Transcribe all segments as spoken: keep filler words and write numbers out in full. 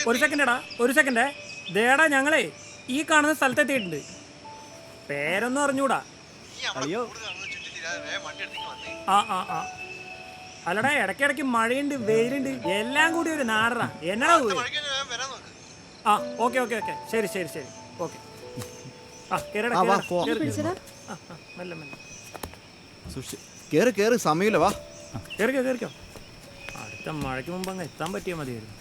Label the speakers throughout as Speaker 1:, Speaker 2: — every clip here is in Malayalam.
Speaker 1: ഒരു സെക്കൻഡ് എടാ ഒരു സെക്കൻഡേ ദേടാ ഞങ്ങളെ ഈ കാണുന്ന സ്ഥലത്തെത്തിയിട്ടുണ്ട്. പേരൊന്നും അറിഞ്ഞൂടാ. ആ ആ ആ അല്ലടാ ഇടയ്ക്കിടയ്ക്ക് മഴയുണ്ട് വെയിലുണ്ട് എല്ലാം കൂടി ഒരു നാടറാ. എന്നടാ ആ ഓക്കെ ഓക്കെ ഓക്കെ ശരി ശരി ശരി ഓക്കെ. ആ കേറടാ മെല്ലെ മെല്ലെ
Speaker 2: കേറ് കേറ് സമയമില്ല വാ
Speaker 1: കേറിക്കോ കേറിക്കോ. അടുത്ത മഴയ്ക്ക് മുമ്പ് അങ്ങ് എത്താൻ പറ്റിയാൽ മതിയായിരുന്നു.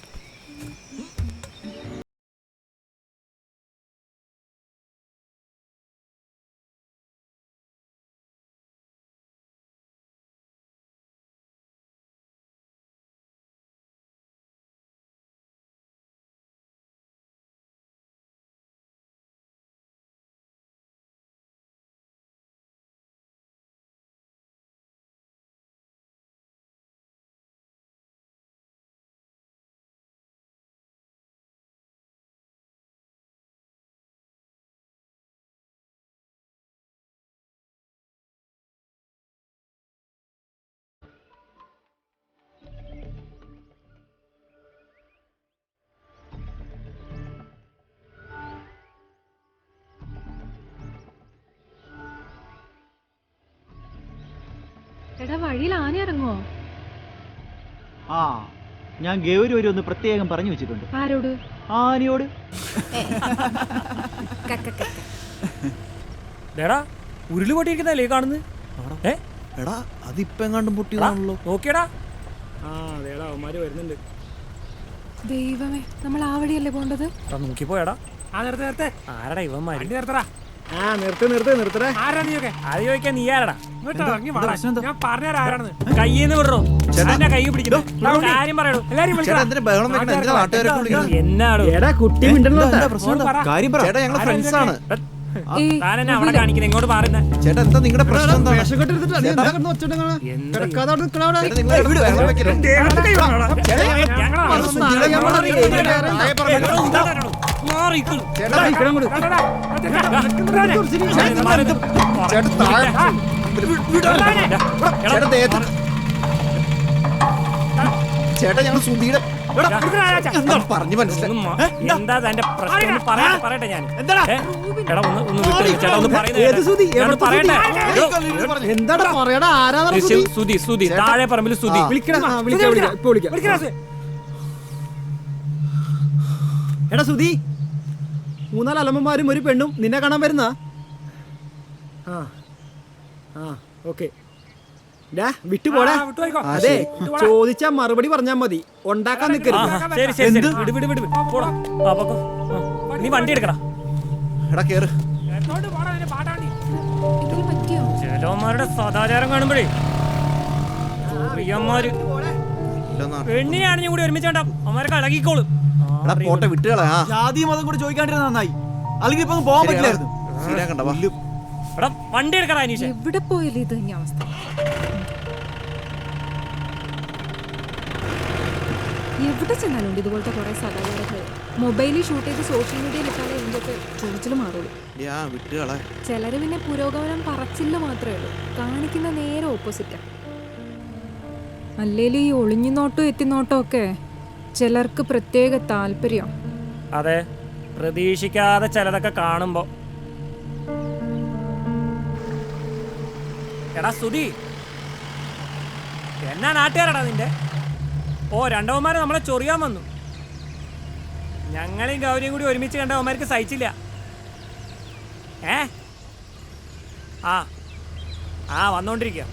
Speaker 3: എടാ വഴിയിൽ ആന ഇറങ്ങോ?
Speaker 4: ആ ഞാൻ ഗൗരി ഒരു ഒന്ന് പ്രത്യേകം പറഞ്ഞു വെച്ചിട്ടുണ്ട്.
Speaker 3: ആരോട്?
Speaker 4: ആനയോട്.
Speaker 1: ദേടാ ഉരുള് പൊട്ടിയിരിക്കുന്നല്ലേ കാണുന്നത്? ഏ
Speaker 2: എടാ അതിപ്പോ എങ്ങാണ്ടും പൊട്ടിയതാണല്ലോ.
Speaker 1: നോക്കിയടാ. ആ ദേടാ അവന്മാര് വരുന്നുണ്ട്.
Speaker 3: ദൈവമേ നമ്മൾ ആ വഴിയല്ലേ പോണ്ടത്?
Speaker 1: നോക്കിപ്പോയടാ. ആ നേരത്തെ നേരത്തെ ആരടാ ഇവന്മാര്? നിർത്തടാ.
Speaker 5: ആ നിർത്ത് നിർത്ത് നിർത്തടേ.
Speaker 1: ആരാ നീയൊക്കെ? അത് ചോദിക്കാൻ നീ ആരടാ? ഞാൻ പറഞ്ഞാ ആരാണെന്ന്. കയ്യിന്ന് വിടറോ എന്നെ കൈ പിടിക്കുന്നു. കാര്യം പറയണോ എല്ലാരും എന്നാടോ
Speaker 5: എടാ കുട്ടി മിണ്ടല്ലോ.
Speaker 2: കാര്യം പറ. ചേട്ടാ ഞങ്ങള് ഫ്രണ്ട്സ് ആണ്.
Speaker 1: താനെന്നെ അവിടെ കാണിക്കുന്നത് ഇങ്ങോട്ട് മാറുന്ന.
Speaker 2: ചേട്ടാ എന്താ നിങ്ങളുടെ പ്രശ്നം? എന്താ ചേട്ടാ ഞങ്ങൾ സുധീടെ പറഞ്ഞു മനസ്സിലായി.
Speaker 1: എന്താ തന്റെ പ്രശ്നം പറയട്ടെ ഞാൻ. എടാ ഒന്ന് ഒന്ന് വിട്ടു ചേട്ടാ ഒന്ന് പറയട്ടെ.
Speaker 5: എന്താടാ പറയടാ ആരാ?
Speaker 1: സുധി സുധി താഴെ പറമ്പിൽ സുധി.
Speaker 5: എടാ സുധി മൂന്നാല് അലമ്മമാരും ഒരു പെണ്ണും നിന്നെ കാണാൻ വരുന്ന. ആ ആ ഓക്കെ വിട്ടുപോടാ. അതെ ചോദിച്ചാ മറുപടി പറഞ്ഞാ മതി, ഉണ്ടാക്കാൻ നിൽക്കരുത്.
Speaker 1: നീ വണ്ടി എടുക്കടാ.
Speaker 2: എടാ കേറ്.
Speaker 1: ചിലവന്മാരുടെ സദാചാരം കാണുമ്പോഴേ പ്രിയന്മാര് പെണ്ണിനെയാണെങ്കിൽ കൂടി ഒരുമിച്ച് വേണ്ട അവന്മാരൊക്കെ അളകിക്കോളും.
Speaker 2: പോട്ടെ വിട്ടുകളാ.
Speaker 4: ജാതി മതം കൂടി ചോദിക്കാണ്ടിരുന്ന നന്നായി, അല്ലെങ്കിൽ ഇപ്പൊ പോകാൻ പറ്റില്ലായിരുന്നു.
Speaker 1: എടാ വണ്ടി എടുക്കടാ അനീഷ്.
Speaker 3: എവിടെ പോയാലും ഇത് തന്നെ അവസ്ഥ. എവിടെ ചെന്നാലും ഇതുപോലത്തെ കുറെ സദാചാരങ്ങൾ. മൊബൈലിൽ ഷൂട്ട് ചെയ്ത് സോഷ്യൽ മീഡിയയിൽ ഇട്ടാലേ ഇതിൻ്റെയൊക്കെ ചോദിച്ചിൽ മാറുള്ളൂ. ചിലര് പിന്നെ പുരോഗമനം പറച്ചില്ല മാത്രമേ ഉള്ളൂ, കാണിക്കുന്ന നേരെ ഓപ്പോസിറ്റാ. അല്ലേലും ഈ ഒളിഞ്ഞു നോട്ടോ എത്തിനോട്ടോ ഒക്കെ ചിലർക്ക് പ്രത്യേക താല്പര്യം.
Speaker 1: അതെ പ്രതീക്ഷിക്കാതെ ചിലതൊക്കെ കാണുമ്പോ. എടാ സുധി എന്നാ നാട്ടുകാരടാ നിന്റെ? ഓ രണ്ടവന്മാരെ നമ്മളെ ചൊറിയാൻ വന്നു. ഞങ്ങളെയും ഗൗരിയും കൂടി ഒരുമിച്ച് കണ്ടവന്മാർക്ക് സഹിച്ചില്ല. ഏ ആ ആ വന്നോണ്ടിരിക്കുക.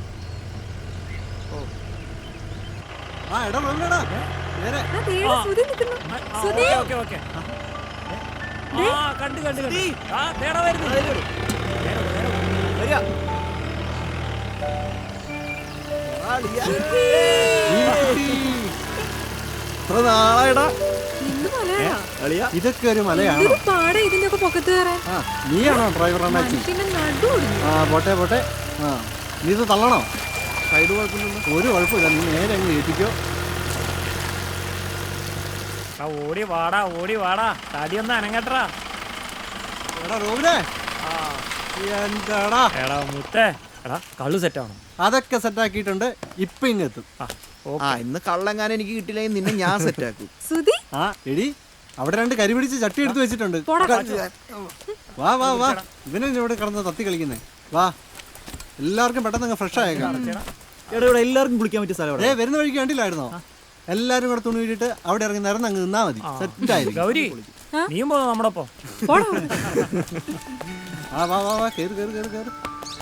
Speaker 1: ഓക്കെ ഓക്കെ ആ കണ്ടു കണ്ടു കണ്ടു. ആ തേടാ വരുന്നു.
Speaker 2: ഇതൊക്കെ ഒരു മലയാണ്. നീയാണോ ഡ്രൈവർ? ആ പോട്ടെ പോട്ടെ. ആ നീ ഇത് തള്ളണോ? സൈഡ് കുഴപ്പമില്ല, ഒരു കുഴപ്പമില്ല. നീ നേരെ അങ്ങ് ഏൽപ്പിക്കോ.
Speaker 1: ഓടി വാടാ ഓടി വാടാ, തടിയൊന്നും അനങ്ങട്ടാ.
Speaker 2: എന്താടാ
Speaker 1: എടാ മുത്തേ, എടാ കള്ളു സെറ്റാണോ?
Speaker 2: അതൊക്കെ സെറ്റാക്കിയിട്ടുണ്ട്. ഇപ്പൊ ഇങ്ങെത്തും. ആ ഇന്ന് കള്ളെങ്ങാനും എനിക്ക് കിട്ടില്ലെങ്കിൽ നിന്നെ ഞാൻ സെറ്റാക്കും.
Speaker 3: സുധി
Speaker 2: ആ എടി അവിടെ രണ്ട് കരി പിടിച്ച് ചട്ടി എടുത്ത് വെച്ചിട്ടുണ്ട്. വാ വാ വാ, ഇവനെ ഇവിടെ കിടന്ന് തത്തി കളിക്കുന്നേ. വാ, എല്ലാവർക്കും പെട്ടെന്ന് അങ്ങ് ഫ്രഷ് ആയേക്കാം.
Speaker 4: എടാ ഇവിടെ എല്ലാവർക്കും കുളിക്കാൻ പറ്റിയ സ്ഥലം
Speaker 2: ഏ വരുന്ന വഴിക്ക് കണ്ടില്ലായിരുന്നോ? എല്ലാരും കൂടെ തുണി വീട്ടിട്ട് അവിടെ ഇറങ്ങി നിറന്ന് അങ്ങ് നിന്നാ മതി. സെറ്റ് ആയിരിക്കും.
Speaker 1: ഗൗരി നീയും പോന്നോ നമ്മുടെ ഒപ്പം?
Speaker 2: ആ വാ വാ വാ, കേറ് കേറ് കേറ് കേറ്.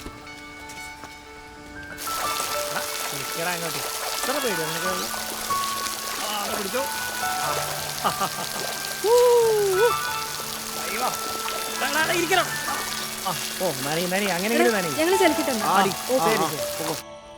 Speaker 1: എടാ അങ്ങോട്ട് ഇത്ര പേര് നിനക്ക്? ആ, അത് പിടിച്ചോ. ആ. ഊ, ഊ. അയ്യോ. എടാ, എടാ, എടാ, ഇരിക്കണം. ആ, ഓ നനി നനി അങ്ങനെയെങ്കിലും നനി.
Speaker 3: ഞങ്ങൾ ചലിക്കിട്ടുണ്ട്.
Speaker 1: ആടി. ഓ ശരി ശരി.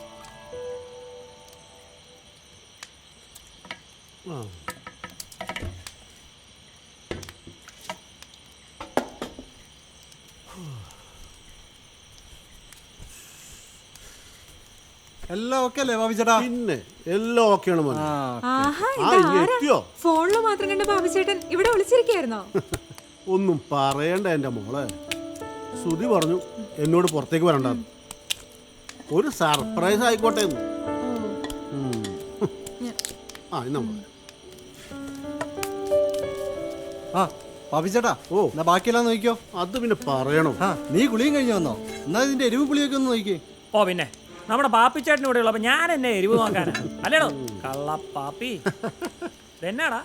Speaker 2: എല്ലാം ഓക്കെ അല്ലേ ബാബി ചേട്ടാ?
Speaker 6: പിന്നെ എല്ലാം ഓക്കെയാണ് മോനെ.
Speaker 3: ആഹാ,
Speaker 6: ആ
Speaker 3: ഇതാരാ?
Speaker 6: എത്തിയോ?
Speaker 3: ഫോണില് മാത്രം കണ്ട ബാബുചേട്ടൻ ഇവിടെ വിളിച്ചിരിക്കായിരുന്നോ?
Speaker 6: ഒന്നും പറയണ്ട എൻ്റെ മോളെ. ശ്രുതി പറഞ്ഞു എന്നോട് പുറത്തേക്ക് വരണ്ടെന്ന്. ഒരു സർപ്രൈസ് ആയിക്കോട്ടെ എന്ന്. ഉം. ആ എന്നാ മോളെ.
Speaker 2: ആ ബാബി ചേട്ടാ,
Speaker 6: ഓ
Speaker 2: എന്നാ ബാക്കിയെല്ലാം നോക്കിയോ.
Speaker 6: അത് പിന്നെ പറയണോ?
Speaker 2: ആ നീ കുളിയും കഴിഞ്ഞു വന്നോ? എന്നാ ഇതിന്റെ എരിവ് പുളിയൊക്കെ ഒന്ന് നോക്കിയേ.
Speaker 1: ഓ പിന്നെ നമ്മുടെ പാപ്പിച്ചേട്ടൻ ഇവിടെ ഉള്ളപ്പോ ഞാൻ എന്നെ എരിവ് നോക്കാനാ? അല്ലേടോ കള്ള പാപ്പി. ഇതെന്നാടാ?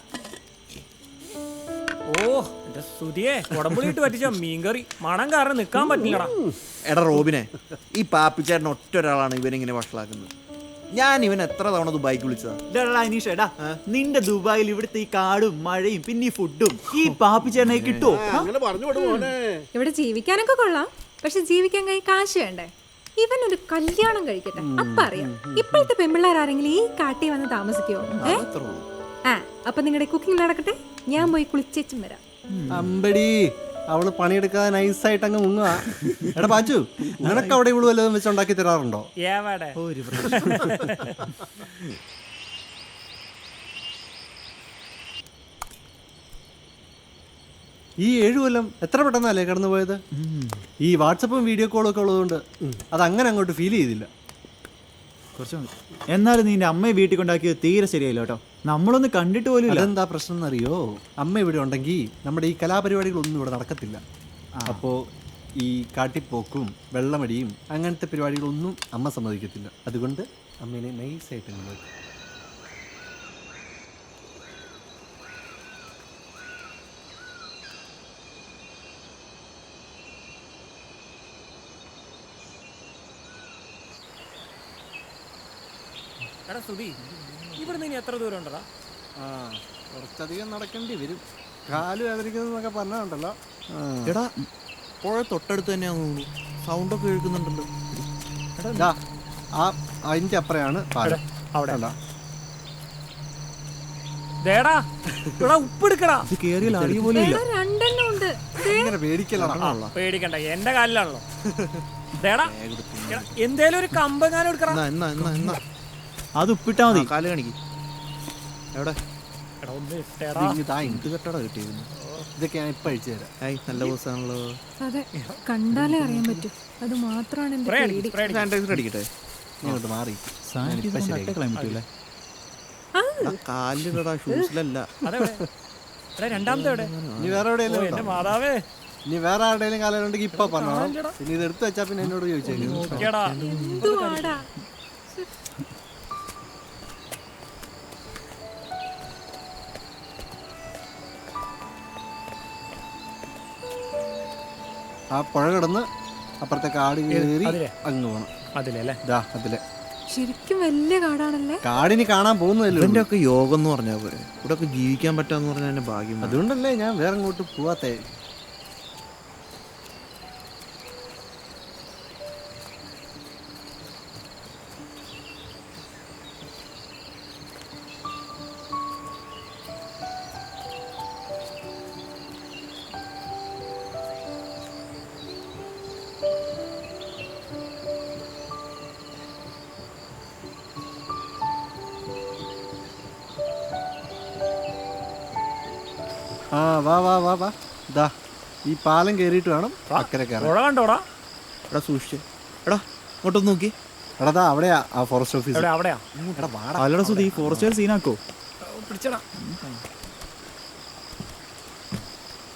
Speaker 1: ഓ എന്റെ സുതിയെ കുടമ്പുളിയിട്ട് പറ്റിച്ച മീൻകറി മണം കാരണം നിക്കാൻ പറ്റില്ലടാ.
Speaker 7: എടാ റോബിനെ, ഈ പാപ്പിച്ചേട്ടൻ ഒറ്റ ഒരാളാണ് ഇവനിങ്ങനെ വഷളാക്കുന്നത്. ഞാൻ ഇവൻ എത്ര തവണ ദുബായിക്ക് വിളിച്ചതാ.
Speaker 4: അനീഷ് എടാ, നിന്റെ ദുബായിൽ ഇവിടുത്തെ ഈ കാടും മഴയും പിന്നെ ഈ ഫുഡും ഈ പാപ്പിച്ചേട്ടനെ കിട്ടുമോ?
Speaker 6: അങ്ങനെ പറഞ്ഞു വിടും മോനെ.
Speaker 3: ഇവിടെ ജീവിക്കാനൊക്കെ കൊള്ളാം, പക്ഷെ ജീവിക്കാൻ കൈ കാശ് വേണ്ടേ? ഇവൻ ഒരു കല്യാണം കഴിക്കട്ടെ, അപ്പ അറിയാം. ഇപ്പോഴത്തെ പെമ്പിള്ളേർ ആരെങ്കിലും ഈ കാട്ടി വന്ന് താമസിക്കുമോ? ഏ ആ അപ്പൊ നിങ്ങളുടെ കുക്കിംഗ് നടക്കട്ടെ, ഞാൻ പോയി കുളിച്ചേച്ചും വരാം.
Speaker 2: അമ്പടി, അവള് പണിയെടുക്കാതെ നൈസായിട്ട് അങ്ങ് മുങ്ങുക. എടാ പാച്ചു, നിനക്ക് അവിടെ ഇവള് വല്ലതും വെച്ച് ഉണ്ടാക്കി തരാറുണ്ടോ?
Speaker 1: ഏവാടെ
Speaker 2: ഈ ഏഴു കൊല്ലം എത്ര പെട്ടെന്നല്ലേ കടന്നു പോയത്. ഈ വാട്സപ്പും വീഡിയോ കോളും ഒക്കെ ഉള്ളതുകൊണ്ട് അത് അങ്ങനെ അങ്ങോട്ട് ഫീൽ ചെയ്തില്ല.
Speaker 4: കുറച്ച് എന്നാലും നിന്റെ അമ്മയെ വീട്ടിൽ കൊണ്ടാക്കിയത് തീരെ ശരിയല്ല കേട്ടോ. നമ്മളൊന്ന് കണ്ടിട്ട് പോലും ഇല്ല.
Speaker 2: അതെന്താ പ്രശ്നം എന്നറിയോ? അമ്മ ഇവിടെ ഉണ്ടെങ്കിൽ നമ്മുടെ ഈ കലാപരിപാടികളൊന്നും ഇവിടെ നടക്കത്തില്ല. അപ്പോൾ ഈ കാട്ടിപ്പോക്കും വെള്ളമടിയും അങ്ങനത്തെ പരിപാടികളൊന്നും അമ്മ സമ്മതിക്കത്തില്ല. അതുകൊണ്ട് അമ്മേനെ നൈസായിട്ട് നോക്കും.
Speaker 1: എടാ സുധി, ഇവിടെ നിന്ന് എത്ര ദൂരം ഉണ്ടടാ?
Speaker 2: ആ കുറച്ചധികം നടക്കേണ്ടി വരും. കാല് വേദനിക്കുന്നതൊക്കെ പറഞ്ഞുണ്ടല്ലോ.
Speaker 7: എടാ പുഴ തൊട്ടടുത്ത് തന്നെയാന്ന് തോന്നുന്നു. സൗണ്ടൊക്കെ കേൾക്കുന്നുണ്ടല്ലോ.
Speaker 2: എടാ ആ അതിൻ്റെ അപ്പുറയാണ് പാലം.
Speaker 1: അവിടെ ദേടാ ഇവിടെ ഉപ്പെടുക്കടാ.
Speaker 4: ഇത് കേറിയാൽ അറിയ പോലും ഇല്ല.
Speaker 3: എടാ, രണ്ടെണ്ണം ഉണ്ട്.
Speaker 2: ഇങ്ങനെ പേടിക്കലാണ്.
Speaker 1: പേടിക്കണ്ട, എന്റെ കാലിലാണല്ലോ. ദേടാ എടാ, എന്തേലും ഒരു കമ്പെങ്ങാനും എടുക്കടാ.
Speaker 7: എന്നാ എന്നാ എന്നാ എന്നാ
Speaker 4: അത് ഉപ്പിട്ടാ മതി.
Speaker 7: കാല് കാണിക്ക്. എവിടെ?
Speaker 1: എടാ ഒന്ന് ഇട്ടേടാ.
Speaker 7: ഇത് കെട്ടടാ കിട്ടിയിരുന്നു.
Speaker 2: ഇതൊക്കെ ഞാൻ ഇപ്പം അഴിച്ചു തരാം.
Speaker 7: ഹായ്, നല്ല ബോസാണല്ലോ.
Speaker 3: അതെ, കണ്ടാലേ അറിയാൻ പറ്റും. അത് മാത്രമാണ് എന്റെ
Speaker 1: സ്പ്രേ അടിക്ക്,
Speaker 3: പേടി.
Speaker 1: സ്പ്രേ അടിക്ക്.
Speaker 7: സാനിറ്റൈസർ അടിക്കട്ടെ.
Speaker 2: ഇങ്ങോട്ട് മാറി.
Speaker 4: കളയാൻ പറ്റൂലേ?
Speaker 7: കാലിലിടാ, ഷൂസിലല്ല.
Speaker 1: അതെവിടെ? എടാ രണ്ടാമത്തെ എവിടെ?
Speaker 2: ഇനി വേറെ
Speaker 1: ഓ
Speaker 2: എവിടെയെങ്കിലും
Speaker 1: എന്റെ
Speaker 2: ഉണ്ടോ?
Speaker 1: മാതാവേ
Speaker 2: ഇനി വേറെ ആരുടെയും കാലുണ്ടെങ്കിൽ ഇപ്പൊ പറഞ്ഞോളാം. ഇനി ഇത് എടുത്തു വെച്ചാ പിന്നെ എന്നോട് ചോദിച്ചേക്കും.
Speaker 1: നോക്കിയടാ.
Speaker 3: എന്തുവാടാ?
Speaker 2: ആ പുഴ കിടന്ന് അപ്പുറത്തെ കാട് കയറി
Speaker 1: അതിലെ?
Speaker 2: അങ്ങ് പോണം.
Speaker 1: അതിലല്ലേ?
Speaker 2: ഇതാ അതിലെ
Speaker 3: ശരിക്കും വലിയ കാടാണല്ലേ?
Speaker 2: കാടിന് കാണാൻ പോകുന്നതല്ലേ
Speaker 7: ഇവന്റെ
Speaker 2: ഉള്ളൂ.
Speaker 7: ഒക്കെ യോഗം എന്ന് പറഞ്ഞാൽ പോരെ. ഇവിടെ ഒക്കെ ജീവിക്കാൻ പറ്റാന്ന് പറഞ്ഞാൽ എന്റെ ഭാഗ്യം.
Speaker 2: അതുകൊണ്ടല്ലേ ഞാൻ വേറെ അങ്ങോട്ട് പോവാത്തേ. ആ വാ വാ വാ വാ. ഇതാ ഈ പാലം കയറിയിട്ട് വേണം അക്കരെ കയറാൻ.
Speaker 1: പുഴ കണ്ടോടാ?
Speaker 7: എടാ സൂക്ഷിച്ച്. എടാ ഇങ്ങോട്ടൊന്ന് നോക്കി.
Speaker 2: എടാ ദാ അവിടെയാ ആ ഫോറസ്റ്റ് ഓഫീസ്.
Speaker 1: എവിടെ? അവിടെയാ?
Speaker 2: എടാ വാടാ.
Speaker 4: അല്ലടാ സുധി, ഫോറസ്റ്റ് സീനാക്കോ?
Speaker 1: പിടിച്ചടാ.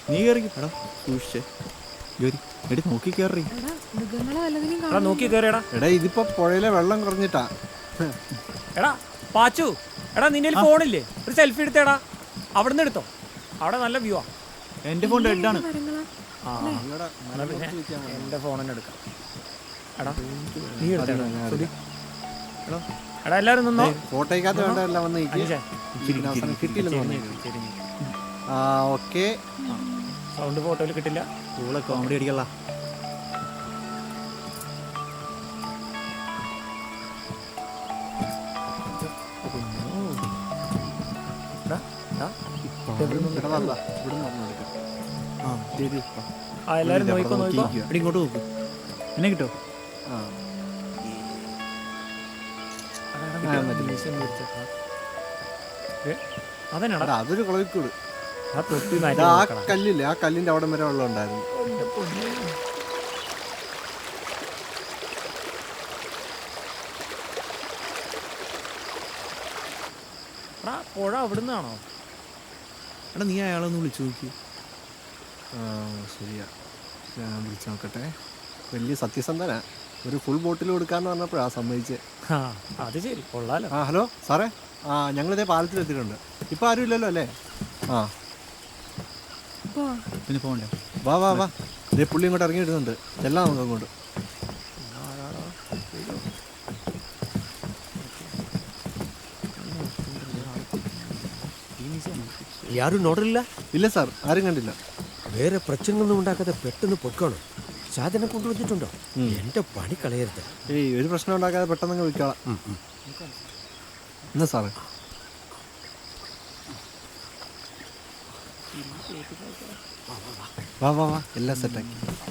Speaker 4: നീ കയറി
Speaker 7: എടാ സൂക്ഷിച്ചേ.
Speaker 4: ജോലി എടി നോക്കി കയറി.
Speaker 3: എടാ മൃഗങ്ങളെ വല്ലതിനും
Speaker 1: എടാ
Speaker 3: കാണും.
Speaker 1: നോക്കി കയറിയടാ.
Speaker 2: എടാ ഇതിപ്പോ പുഴയിലെ വെള്ളം കുറഞ്ഞിട്ടാ.
Speaker 1: എടാ പാച്ചു, എടാ നിന്റെ ഫോണില്ലേ, ഒരു സെൽഫി എടുത്തേടാ. അവിടെ നിന്ന് എടുത്തോ, അവിടെ നല്ല വ്യൂ ആ.
Speaker 4: എൻ്റെ ഫോൺ ഡെഡാണ്.
Speaker 3: മരങ്ങളാ
Speaker 1: ആ എന്നാ പിന്നെ എൻ്റെ ഫോൺ തന്നെ എടുക്കാം. എടാ നീ എടുത്തേടാ സുധി. എടാ എടാ എല്ലാവരും നിന്നോ.
Speaker 2: ഫോട്ടോയ്ക്കകത്ത് വേണ്ട എല്ലാം വന്ന്
Speaker 1: അനീഷേ,
Speaker 2: കിട്ടിയില്ലെന്ന് പറഞ്ഞു.
Speaker 1: ചെരിഞ്ഞ്.
Speaker 2: ആ ഓക്കെ.
Speaker 1: സൗണ്ട് ഫോട്ടോയിൽ കിട്ടില്ല.
Speaker 4: കൂടെ കോമഡി അടിക്കല്ല.
Speaker 1: എടാ എടാ
Speaker 7: ആ ശരി.
Speaker 1: ആ എല്ലാവരും നോയിക്കോ നോയിക്കോ.
Speaker 7: എടി ഇങ്ങോട്ട് നോക്ക്.
Speaker 4: എന്നെ കിട്ടോ?
Speaker 1: അതന്നെടാ
Speaker 2: അതൊരു കുളവിക്കൂട്.
Speaker 1: ആ തൊട്ടി
Speaker 2: ആ കല്ലില്ലേ, ആ കല്ലിന്റെ അവിടെ വരെ വെള്ളം ഉണ്ടായിരുന്നു.
Speaker 1: എടാ പുഴ അവിടുന്നാണോ?
Speaker 7: എടാ നീ അയാളൊന്ന് വിളിച്ചു നോക്കി.
Speaker 2: ആ ശരിയാ, ഞാൻ വിളിച്ചു നോക്കട്ടെ. വലിയ സത്യസന്ധനാ. ഒരു ഫുൾ ബോട്ടിൽ കൊടുക്കാന്ന് പറഞ്ഞപ്പോഴാ സമ്മതിച്ചേ.
Speaker 1: ആ അത് ശരി, കൊള്ളാലോ.
Speaker 2: ആ ഹലോ സാറേ, ആ ഞങ്ങളിതേ പാലത്തിലെത്തിയിട്ടുണ്ട്. ഇപ്പം ആരും ഇല്ലല്ലോ അല്ലേ? ആ
Speaker 3: പോവാ.
Speaker 4: പിന്നെ പോകണ്ടേ?
Speaker 2: വാ വാ വാ, ഇതേ പുള്ളി ഇങ്ങോട്ട് ഇറങ്ങി വരുന്നുണ്ട്. ചെല്ലാം നമുക്ക് അങ്ങോട്ട്.
Speaker 5: ಯಾರು ನೋಡ್ರಿಲ್ಲ,
Speaker 2: ഇല്ല സാർ, ആരും കണ്ടില്ല.
Speaker 5: ಬೇರೆ ಪ್ರಚನೆಗಳನ್ನು ഉണ്ടാക്കാതെ പെട്ടെന്ന് പൊക്കണം. സാധനം കൊണ്ടുവന്നിട്ടുണ്ടോ? എന്റെ പണി കളയരുത്.
Speaker 2: ഏയ് ഒരു പ്രശ്നം ഉണ്ടാക്കാതെ പെട്ടെന്ന് വിളിക്കാം. എന്നാ സാറേ. വാ വാ വാ, എല്ലാം സെറ്റാക്കി.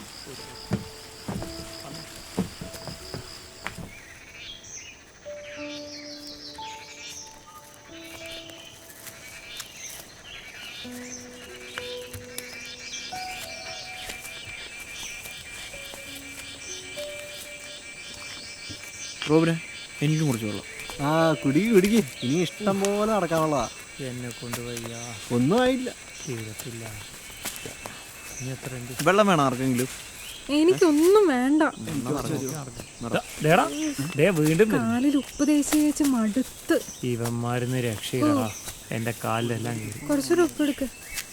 Speaker 7: റോബിനെ എനിക്കും കുറച്ച് വെള്ളം.
Speaker 2: ആ കുടുക്കി കുടുക്കി, ഇനി ഇഷ്ടം പോലെ നടക്കാനുള്ളതാ.
Speaker 1: എന്നെ കൊണ്ടുപോയ
Speaker 2: ഒന്നും ആയില്ല.
Speaker 1: തീരത്തില്ല. ഇനി എത്ര ഉണ്ട്?
Speaker 7: വെള്ളം വേണം ആർക്കെങ്കിലും?
Speaker 3: എനിക്കൊന്നും വേണ്ട.
Speaker 1: ദേടാ, ദേ വീണ്ടും വരുന്നു.
Speaker 3: കാലിൽ ഉപ്പ് തേച്ച് തേച്ച് മടുത്ത്.
Speaker 1: ഇവന്മാരുന്ന് രക്ഷയില്ലടാ, എന്റെ കാലിലെല്ലാം കീറി.
Speaker 3: കുറച്ചൊരു ഉപ്പ് എടുക്ക്.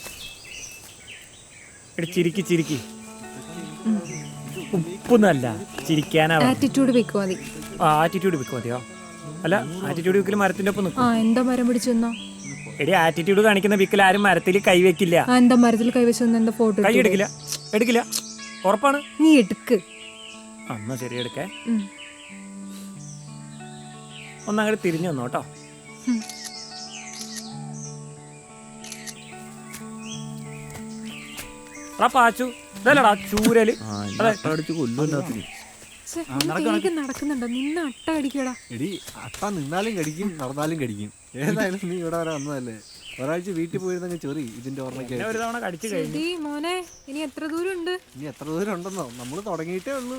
Speaker 1: എടി ചിരിക്കി ചിരിക്കി. ഉപ്പൊന്നല്ല, ചിരിക്കാനാ.
Speaker 3: ആറ്റിറ്റ്യൂഡ് വെക്കുവാ മതി.
Speaker 1: ആ ആറ്റിറ്റ്യൂഡ് വെക്കും മതിയോ? അല്ല, ആറ്റിറ്റ്യൂഡ് വിക്കൽ മരത്തിന്റെ ഒപ്പം നിൽക്കും.
Speaker 3: ആ എന്താ മരം പിടിച്ചു നിന്നോ?
Speaker 1: എടി ആറ്റിറ്റ്യൂഡ് കാണിക്കുന്ന വിക്കൽ ആരും മരത്തിൽ കൈവെക്കില്ല.
Speaker 3: ആ എന്താ മരത്തിൽ കൈവച്ചു നിന്ന് എന്താ ഫോട്ടോ
Speaker 1: കൈ എടുക്കില്ല, എടുക്കില്ല. ഉറപ്പാണ്.
Speaker 3: നീ എടുക്ക്.
Speaker 1: എന്നാ ശരി, എടുക്കേ.
Speaker 3: ഉം.
Speaker 1: ഒന്നങ്ങോട്ട് തിരിഞ്ഞു വന്നോ കേട്ടോ.
Speaker 3: ഉം.
Speaker 1: എടാ പാച്ചു, ഇതല്ലടാ ചൂരല്. അതെ,
Speaker 7: അടിച്ച് കൊല്ലുമല്ലാത്തിന്.
Speaker 3: ഛെ, നിനക്ക് വേഗം നടക്കുന്നുണ്ടോ? നിന്ന് അട്ട അടിക്കടാ.
Speaker 2: എടി അട്ട നിന്നാലും കടിക്കും, നടന്നാലും കടിക്കും. ഏതായാലും നീ ഇവിടെ വരെ വന്നതല്ലേ. ഒരാഴ്ച വീട്ടിൽ പോയിരുന്നെങ്കിൽ ചെറി ഇതിന്റെ ഓർമ്മയ്ക്ക്.
Speaker 1: എന്നെ ഒരു തവണ കടിച്ചു കഴിഞ്ഞു.
Speaker 3: ശരി മോനെ, ഇനി എത്ര ദൂരം ഉണ്ട്?
Speaker 2: ഇനി എത്ര ദൂരം ഉണ്ടെന്നോ? നമ്മൾ തുടങ്ങിയിട്ടേ ഉള്ളൂ.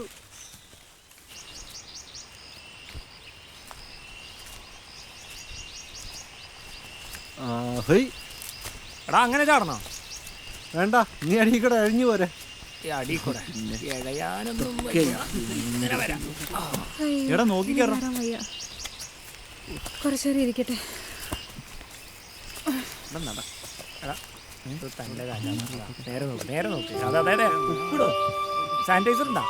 Speaker 2: ആ ഹേയ്,
Speaker 1: എടാ അങ്ങനെ ചാടണോ?
Speaker 2: വേണ്ട, നീ അടിയിൽ കൂടെ അഴിഞ്ഞു പോരെ.
Speaker 1: അടി കൂടെ ഇഴയാനൊന്നും വയ്യ. ഇങ്ങനെ വരാം.
Speaker 3: അയ്യോ,
Speaker 4: എടാ നോക്കി
Speaker 3: ഇനി
Speaker 4: കയറാം.
Speaker 3: വരാൻ വയ്യ. കുറച്ചേരം ഇരിക്കട്ടെ.
Speaker 1: എടാ, ഇത് തന്റെ കാലാണ്. നേരെ നോക്ക്, നേരെ നോക്ക്. അതെ അതെ അതെ, ഉപ്പിടോ. സാനിറ്റൈസർ ഉണ്ടാ?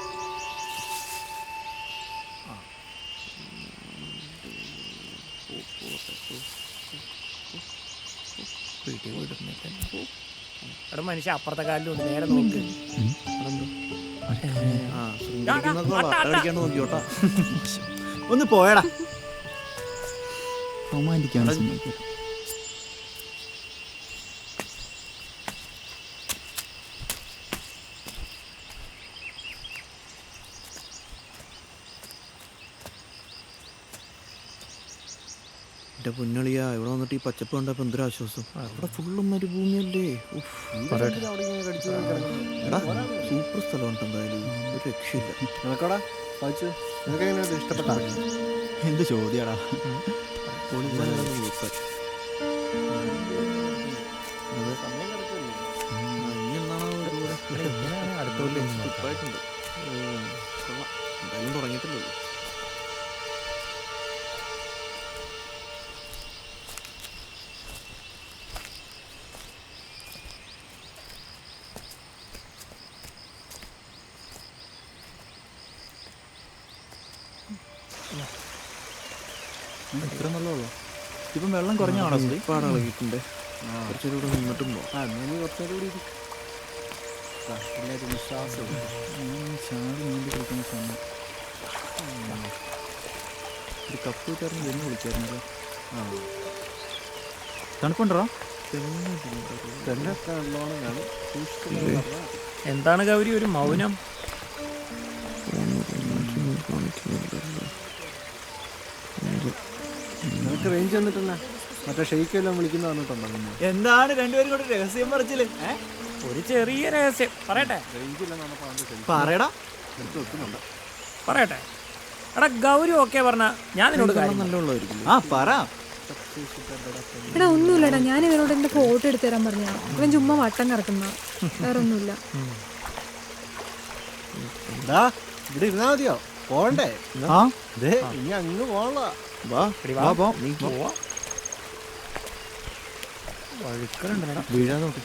Speaker 1: എടാ മനുഷ്യ അപ്പുറത്തെ കാലിലുണ്ട്, നേരെ നോക്ക്.
Speaker 7: ആ ശൃംഗരിക്കുന്നൊക്കെ അടിക്കാണ്ട് നോക്കിയോട്ടാ.
Speaker 4: ഒന്ന് പോയടാ. റൊമാൻറ്റിക്കാണ്.
Speaker 7: എൻ്റെ പൊന്നളിയാ, ഇവിടെ വന്നിട്ട് ഈ പച്ചപ്പ് കണ്ടപ്പോൾ എന്തൊരു ആശ്വാസം. ഇവിടെ ഫുള്ളും മരുഭൂമിയല്ലേ. എടാ സൂപ്പർ സ്ഥലമുണ്ട് എന്തായാലും, ഒരു രക്ഷയില്ല.
Speaker 2: നിനക്കോടാ വായിച്ചു, നിനക്ക് എങ്ങനെയാണ് ഇഷ്ടപ്പെട്ടാ?
Speaker 4: എന്ത് ചോദ്യടാ.
Speaker 7: പൊളിച്ചാലാണ് വീഴ്ച.
Speaker 2: സമയം കിടക്കുമല്ലോ.
Speaker 7: കുഴപ്പമില്ല ഉപ്പായിട്ടുണ്ട് കൊള്ളാം എന്തായാലും തുടങ്ങിയിട്ടില്ലല്ലോ.
Speaker 4: ഇത്ര നല്ലതുള്ളൂ. ഇപ്പം വെള്ളം കുറഞ്ഞാണോ സുധി?
Speaker 7: ഒരുപാട് ഇളകിയിട്ടുണ്ട്. കുറച്ചുകൂടി ഇവിടെ നിന്നിട്ടും പോവാം.
Speaker 2: ആ എന്നാ നീ കുറച്ചേരം കൂടി ഇരി. ആ, എല്ലാവരും വിശ്വാസം
Speaker 4: ചാടി നീന്തി കളിക്കുന്ന സമയം ഒരു കപ്പ് കിട്ടായിരുന്നു വെന്ന് വിളിക്കായിരുന്നല്ലോ. ആ തണുപ്പുണ്ടോ?
Speaker 2: തെങ്ങൊക്കെ നല്ലോണം കാണും. സൂക്ഷിച്ച് പറഞ്ഞാൽ
Speaker 1: എന്താണ് ഗൗരി ഒരു മൗനം?
Speaker 2: നിനക്ക് റേഞ്ച് വന്നിട്ടെന്നാ മറ്റേ ഷെയ്ക്ക് എല്ലാം വിളിക്കുന്ന പറഞ്ഞിട്ടുണ്ടോ പിന്നെ?
Speaker 4: എന്താണ് രണ്ടുപേരും കൂടെ രഹസ്യം പറിച്ചില്ലേ?
Speaker 1: ഒരു ചെറിയ രഹസ്യം പറയട്ടെ
Speaker 4: പറയടാ.
Speaker 1: പറയട്ടെ എടാ ഗൗരി ഓക്കെ പറഞ്ഞ ഞാൻ നിന്നോട് കാര്യം
Speaker 7: നല്ല വെള്ളമായിരിക്കും.
Speaker 4: ആ പറ.
Speaker 3: എടാ ഒന്നുമില്ലടാ, ഞാൻ ഇവനോട് എൻ്റെ ഫോട്ടോ എടുത്തു തരാൻ പറഞ്ഞാ ഇവൻ ചുമ്മാ വട്ടം കറക്കുന്ന, വേറെ ഒന്നുമില്ല.
Speaker 2: എന്താ ഇവിടെ ഇരുന്നാ മതിയോ? പോണ്ടേ?
Speaker 4: ആ
Speaker 2: ദേ ഇനി അങ്ങ് പോണല്ലോ.
Speaker 7: വാ
Speaker 1: എടി
Speaker 4: വാ പോ.
Speaker 7: നീ
Speaker 1: പോവാ. വഴുക്കലുണ്ടടാ.
Speaker 7: വീഴാൻ നോക്ക്.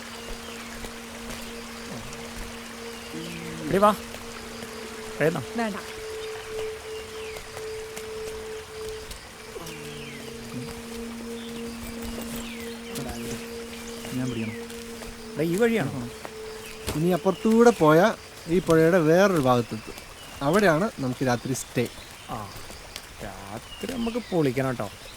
Speaker 1: എടി വാ വേണം.
Speaker 3: വേണ്ട.
Speaker 4: ഞാൻ പിടിക്കണം.
Speaker 1: എടാ ഈ വഴിയാണോ?
Speaker 2: ഇനി അപ്പുറത്തൂടെ പോയാൽ ഈ പുഴയുടെ വേറൊരു ഭാഗത്തെത്തും. അവിടെയാണ് നമുക്ക് രാത്രി സ്റ്റേ.
Speaker 1: ആ രാത്രി നമുക്ക് പൊളിക്കണം കേട്ടോ.